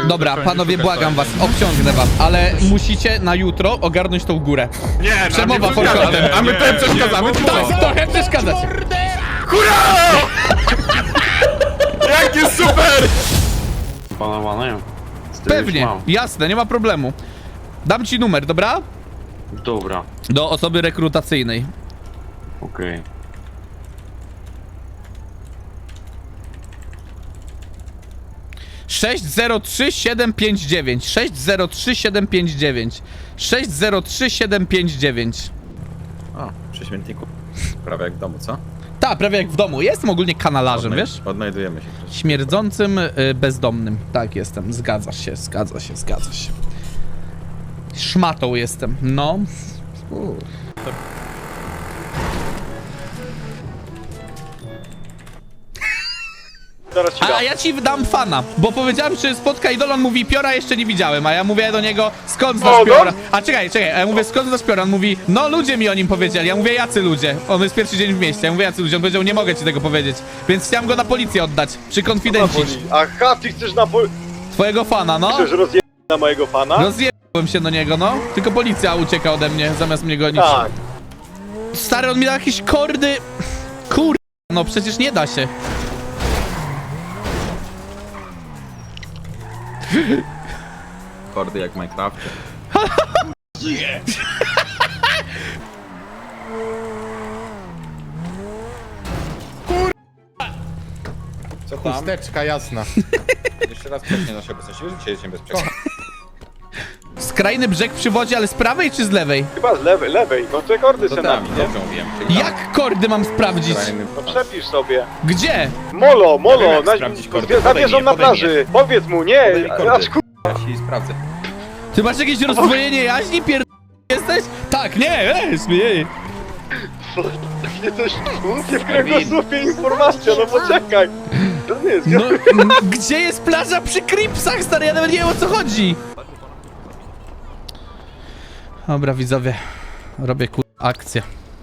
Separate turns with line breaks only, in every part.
Dobra, panowie, błagam was, obciągnę was, ale musicie na jutro ogarnąć tą górę.
Nie,
Przemowa forkotem.
A my tutaj przeszkadzamy.
Tak, trochę przeszkadzacie.
Hurra! Jakie super!
Panowane.
Pewnie, jasne, nie ma problemu. Dam ci numer, dobra?
Dobra,
Do osoby rekrutacyjnej.
okej.
603-759 603-759 603-759.
O, przy śmietniku. Prawie jak w domu, co?
Tak, prawie jak w domu. Jestem ogólnie kanalarzem, wiesz?
Odnajdujemy się.
Śmierdzącym bezdomnym. Tak, jestem. Zgadza się, zgadza się, zgadza się. Szmatą jestem, no. A ja ci dam fana, bo powiedziałem, czy spotka idola, on mówi piora jeszcze nie widziałem, a ja mówię do niego, skąd znasz piora? A czekaj, a ja mówię, skąd znasz piora? On mówi, no ludzie mi o nim powiedzieli. Ja mówię, jacy ludzie? On jest pierwszy dzień w mieście. Ja mówię, jacy ludzie? On powiedział, nie mogę ci tego powiedzieć. Więc chciałem go na policję oddać, przykonfidencić.
Aha, ty chcesz
Twojego fana, no.
chcesz rozjechać na mojego fana?
Rozjebałem się do niego, no. Tylko policja ucieka ode mnie, zamiast mnie gonić.
Tak.
Stary, on mi da jakieś kordy. Kur... No przecież nie da się.
Kordy jak w Minecrafcie. Co tam?
Chusteczka jasna.
Jeszcze raz przeknie nasze obecności. Wiesz, dzisiaj jestem bezpieczny.
Skrajny brzeg przy wodzie, ale z prawej czy z lewej?
Chyba z lewej. No te kordy
To
se
tam,
napi, nie?
dobrze mówiłem. Czyli tam.
Jak kordy mam sprawdzić?
No przepisz sobie.
Gdzie?
Molo,
Ja wiem, jak sprawdzić kordy.
za wieżą na
Podaj mi je.
plaży. Powiedz mu, nie.
Podaj mi kordy.
Aż
Ja się sprawdzę.
Ty masz jakieś rozdwojenie jaźni? Jesteś? Tak, nie, nie.
nie coś nie w kręgosłupie informacja, no poczekaj. To nie jest.
No, gdzie jest plaża przy Cripsach, stary? Ja nawet nie wiem, o co chodzi. Dobra, widzowie. Robię akcję.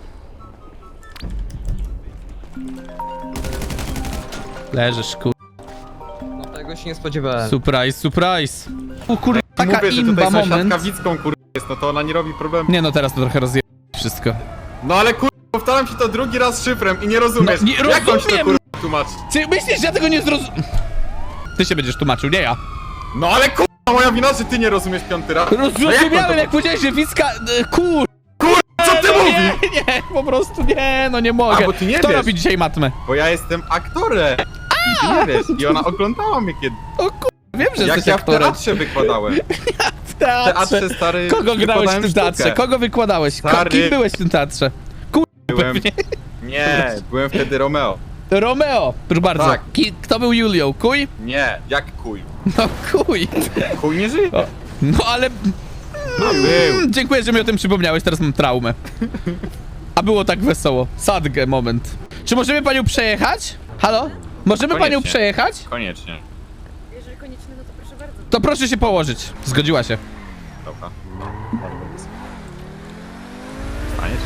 Leżysz,
No tego się nie spodziewałem.
Surprise. O kurde, taka
Mówię, że
imba
tutaj
moment.
sąsiadka Wicką jest, no to ona nie robi problemu.
Nie no, teraz to trochę rozje... wszystko.
No ale powtarzam ci to drugi raz szyfrem i nie rozumiesz.
No, nie
Jak mam ci to
rozumiem.
tłumaczyć?
Ty myślisz, że ja tego nie zrozumiem? Ty się będziesz tłumaczył, nie ja.
No ale moja wina, że ty nie rozumiesz piąty raz. No jak mam
Zrozumiałem,
to-
jak powiedziałeś, że Wicka...
Co ty mówisz?
Nie, po prostu nie, no nie mogę.
A, bo ty nie
Kto
wiesz.
robi dzisiaj matmę?
Bo ja jestem aktorem. I ty nie wiesz. I ona oglądała mnie kiedy.
O wiem, że
Jak
jesteś
ja w
aktorem.
teatrze wykładałem.
W
W teatrze, stary,
Kogo grałeś w
wykładałem
tym teatrze?
sztukę.
Kogo wykładałeś?
Stary.
Kim byłeś w tym teatrze?
Byłem...
Pewnie.
Nie, byłem wtedy Romeo.
Romeo, proszę bardzo.
Tak.
Kto był Julią? Kuj?
Nie, jak kuj.
No kuj.
Kuj nie żyje.
No ale...
A był.
Dziękuję, że mi o tym przypomniałeś, teraz mam traumę. A było tak wesoło. Sadgę moment. Czy możemy panią przejechać? Halo? Możemy panią
Koniecznie.
przejechać?
Koniecznie.
Jeżeli konieczne, no to proszę bardzo.
To proszę się położyć. Zgodziła się.
Dobra. Staniesz?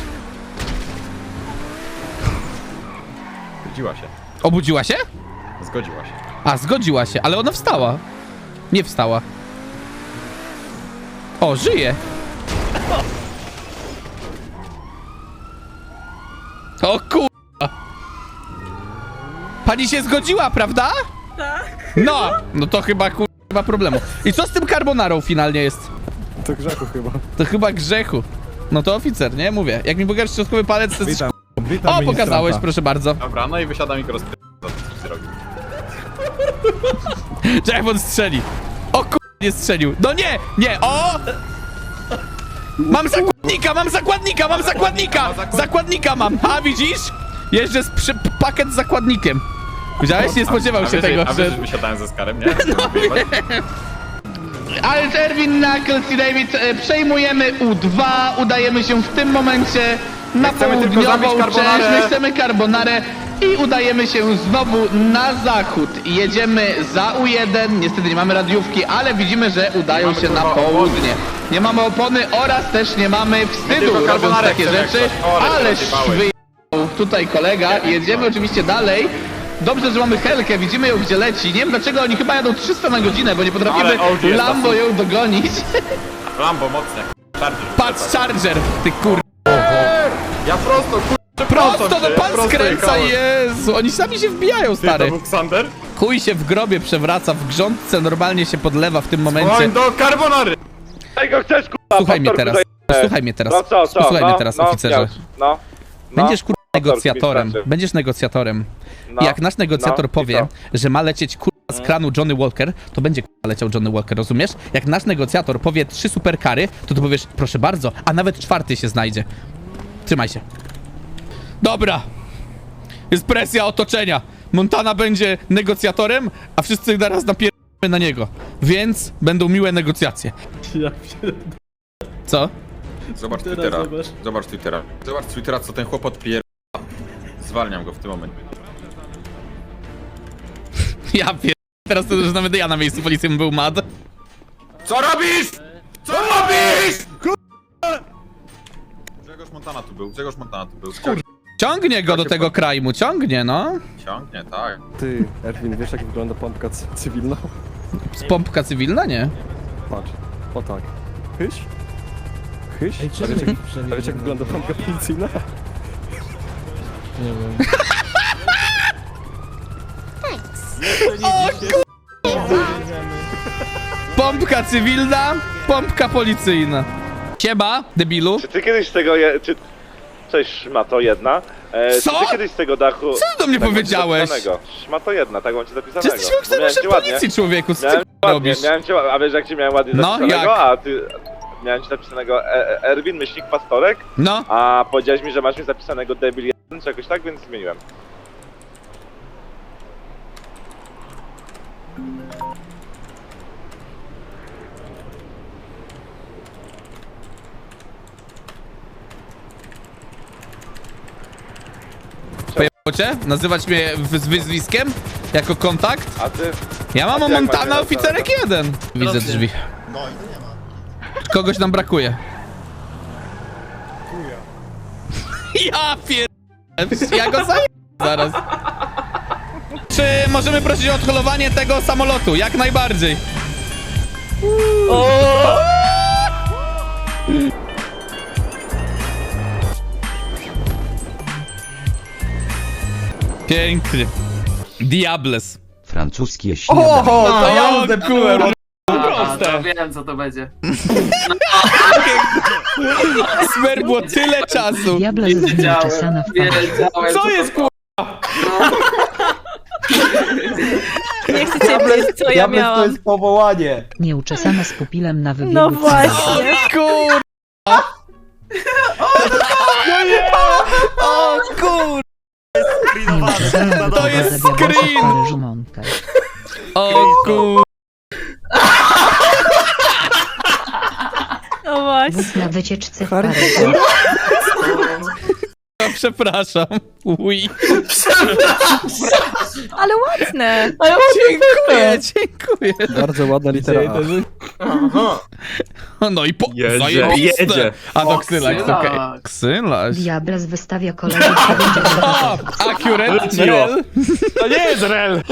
Zgodziła się.
Obudziła się?
Zgodziła się.
A, zgodziła się, ale ona wstała. Nie wstała. O, żyje. O kurwa. Pani się zgodziła, prawda?
Tak.
No to chyba kurwa nie ma problemu. I co z tym carbonarą finalnie jest?
To grzechu chyba.
To chyba grzechu. No to oficer, nie? Mówię. Jak mi pokażesz środkowy palec, to jest...
Witam
O, pokazałeś, proszę bardzo.
Dobra, no i wysiadam i go rozpytam. Co ty robisz?
Czekaj, on strzeli. O kurwa, nie strzelił. No nie, nie, o! Mam zakładnika! Zakładnika mam! A, widzisz? Jeżdżę z pakiet z zakładnikiem. Widziałeś? Nie spodziewał się tego,
A wiesz,
że...
że wysiadałem ze Skarem, nie?
Ale Erwin, Knuckles i David, przejmujemy U2, udajemy się w tym momencie na
chcemy tylko
południową
zabić carbonarę.
część, my chcemy carbonarę i udajemy się znowu na zachód. Jedziemy za U1, niestety nie mamy radiówki, ale widzimy, że udają
mamy,
się na
kurwa,
południe. Nie mamy opony oraz też nie mamy wstydu,
tylko
robiąc
carbonarę
takie
chcemy jak
rzeczy,
coś. O, ale
ależ
rozjebałeś.
wyjechał tutaj kolega. Jedziemy oczywiście dalej. Dobrze, że mamy Helkę, widzimy ją gdzie leci. Nie wiem dlaczego oni chyba jadą 300 na godzinę, bo nie potrafimy
Ale OG jest
Lambo ją dogonić.
Lambo mocne. Charger.
Patrz, Charger, ty kur...
Ja prosto,
Prosto do
ja
pan
prosto
skręca,
jechałem.
Jezu, oni sami się wbijają,
Ty, to
stary.
był Xander?
Chuj się w grobie przewraca, w grządce normalnie się podlewa w tym momencie.
Woń do carbonary!
Czego chcesz, kurwa?
Słuchaj mnie
pastorku
teraz,
zajebane.
posłuchaj mnie teraz,
No co?
posłuchaj
no,
mnie teraz,
no,
oficerze.
No.
Będziesz kur... negocjatorem,
mi straszy.
będziesz negocjatorem.
No,
I jak nasz negocjator
no, i
powie,
co?
że ma lecieć kurwa z kranu Johnny Walker, to będzie kurwa leciał Johnny Walker, rozumiesz? Jak nasz negocjator powie 3 superkary, to ty powiesz, proszę bardzo, a nawet 4 się znajdzie. Trzymaj się. Dobra. Jest presja otoczenia. Montana będzie negocjatorem, a wszyscy naraz napierdolimy na niego. Więc będą miłe negocjacje. Co?
Zobacz Twittera. Zobacz Twittera. Zobacz Twittera, co ten chłop odpier... Zwalniam go w tym momencie.
Ja pier... Teraz to już nawet ja na miejscu policji bym był mad.
Co robisz? Co robisz? Grzegorz Montana tu był, Grzegorz Montana tu był.
Ciągnie go do tego krajmu, ciągnie, no.
Ciągnie, tak.
Ty, Erwin, wiesz jak wygląda pompka cywilna?
Z pompka cywilna, nie?
Patrz, o tak. Hyś? Hyś? A wiesz jak wygląda pompka policyjna?
Pompka cywilna, pompka policyjna. Siema, debilu.
Czy ty kiedyś z tego Cześć, szmato jedna.
Co?
Czy ty kiedyś z tego dachu...
Co ty do mnie
tak mam ci
powiedziałeś?
zapisanego? Szmato jedna, tak mam ci
Ty
zapisanego.
jesteś funkcjonariuszem
Miałem cię ładnie.
policji, człowieku, co ty
Miałem ładnie,
robisz?
miałem cię, a wiesz jak ci miałem ładnie
No,
zapisanego?
jak?
A ty... Miałem ci napisanego Erwin, myślnik, pastorek,
No,
a powiedziałeś mi, że masz mi zapisanego debil 1 czy jakoś tak, więc zmieniłem.
pojebało cię? Nazywać mnie z wyzwiskiem? Jako kontakt?
A ty?
Ja mam
A
o
ty jak
Montana
macie
oficerek 1. Widzę drzwi. Kogoś nam brakuje. Ja pier... Ja go zaję zaraz. Czy możemy prosić o odholowanie tego samolotu? Jak najbardziej. Pięknie. Diables.
Francuskie śniadanie.
To ja odepkułem.
To wiem co to będzie.
Smer było tyle czasu.
Diabla jest nieuczesana w parze.
Wiedziałem,
Co jest kur...
Nie chcecie wiedzieć, co ja miałam.
powołanie.
Nieuczesana z pupilem na wybiegu.
No
O
właśnie.
kur... O kur... To jest screen! O kur...
No właśnie.
Na wycieczce w Paryżu.
Przepraszam. Ui.
Ale ładne.
Dziękuję, dziękuję.
Bardzo ładna litera A.
No i po...
Jedzie,
zajebiste.
jedzie.
A to Ksylax,
Ksylax.
okej. Ksylax.
Diablas wystawia kolegów do
O, accurate,
Leciło.
rel.
To nie jest rel!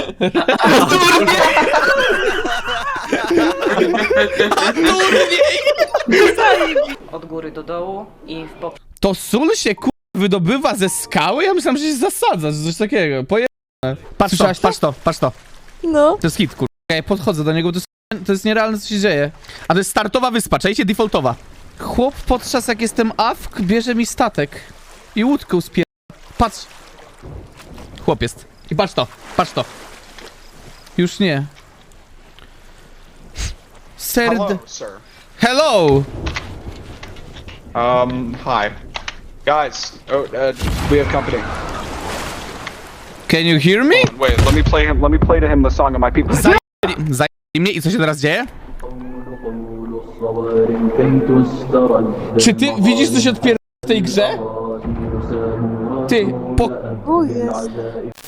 Od góry do dołu i w bok.
To sól się kur... wydobywa ze skały? Ja myślałem, że się zasadza, że coś takiego. Patrz to, patrz to, patrz to.
No.
To jest hit, kur... Ja podchodzę do niego, to jest nierealne, co się dzieje. A to jest startowa wyspa, czajcie, defaultowa. Chłop podczas jak jestem awk, bierze mi statek. I łódkę spier... Patrz. Chłop jest. I patrz to, patrz to. Już nie. Hello!
Hi. Guys, we have company.
Can you hear me?
Wait, let me play to him the song of my people.
Zajęli mnie i co się teraz dzieje? Czy ty widzisz, co się odpierdala w tej grze? Ty, po...